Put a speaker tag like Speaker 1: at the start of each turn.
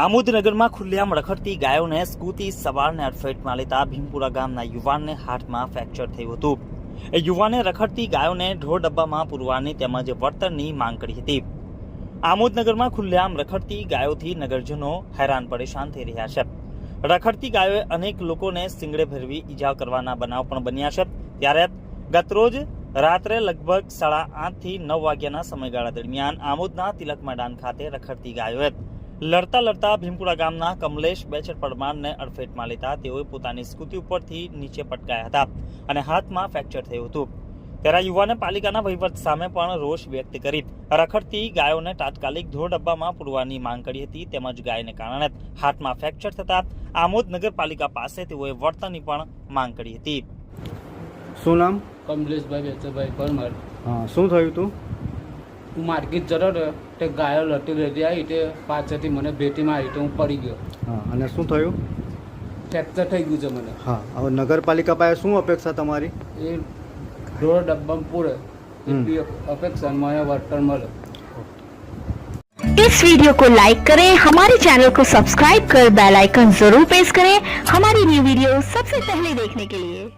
Speaker 1: આમોદ નગરમાં ખુલ્લેઆમ રખડતી ગાયોને સ્કૂટી સવારને અડફેટમાં લેતા ભીમપુરા ગામના યુવાનને હાથમાં ફ્રેક્ચર થયું હતું। એ યુવાને રખડતી ગાયોને ઢોર ડબ્બામાં પૂરવાની તેમજ વળતરની માંગ કરી હતી। આમોદ નગરમાં ખુલ્લેઆમ રખડતી ગાયોથી નગરજનો હેરાન પરેશાન થઈ રહ્યા છે। રખડતી ગાયોએ અનેક લોકોને સિંગડે ભેરવી ઈજા કરવાના બનાવ પણ બન્યા છે। ત્યારે ગતરોજ રાત્રે લગભગ 8:30 થી 9 વાગ્યાના સમયગાળા દરમિયાન આમોદના તિલક મેદાન ખાતે રખડતી ગાયોએ લડતા ભીમપુરા ગામના કમલેશ બેચર પરમારને અડફેટમાં લેતા તેઓએ પોતાની સ્કૂટી ઉપરથી નીચે પટકાયા હતા અને હાથમાં ફ્રેક્ચર થયું હતું। ત્યારે યુવાને પાલિકાના વહીવટ સામે પણ રોષ વ્યક્ત કરી રખડતી ગાયોને તાત્કાલિક ઢોર ડબ્બામાં પૂરવાની માંગ કરી હતી। તેમજ ગાયને કારણે હાથમાં ફ્રેક્ચર થતા આમોદ નગરપાલિકા પાસે તેઓએ વળતરની પણ માંગ કરી હતી।
Speaker 2: શું નામ?
Speaker 3: કમલેશભાઈ બેચરભાઈ પરમાર।
Speaker 2: હા, શું થયું તું?
Speaker 3: હું માર્કેટ જતો હતો તે ગાયો લટી આવી તે પાછળથી મને ભેટીમાં આવી તો હું પડી ગયો।
Speaker 2: હા, અને શું થયું?
Speaker 3: ફ્રેક્ચર થઈ ગયું છે મને।
Speaker 2: હા, હવે નગરપાલિકા પાસે શું અપેક્ષા તમારી?
Speaker 3: એ ઢોર ડબ્બામાં પૂરે એટલી અપેક્ષા મને વળતર મળે।
Speaker 4: इस वीडियो को लाइक करें, हमारे चैनल को सब्सक्राइब कर बेल आइकन जरूर प्रेस करें हमारी न्यू वीडियो सबसे पहले देखने के लिए।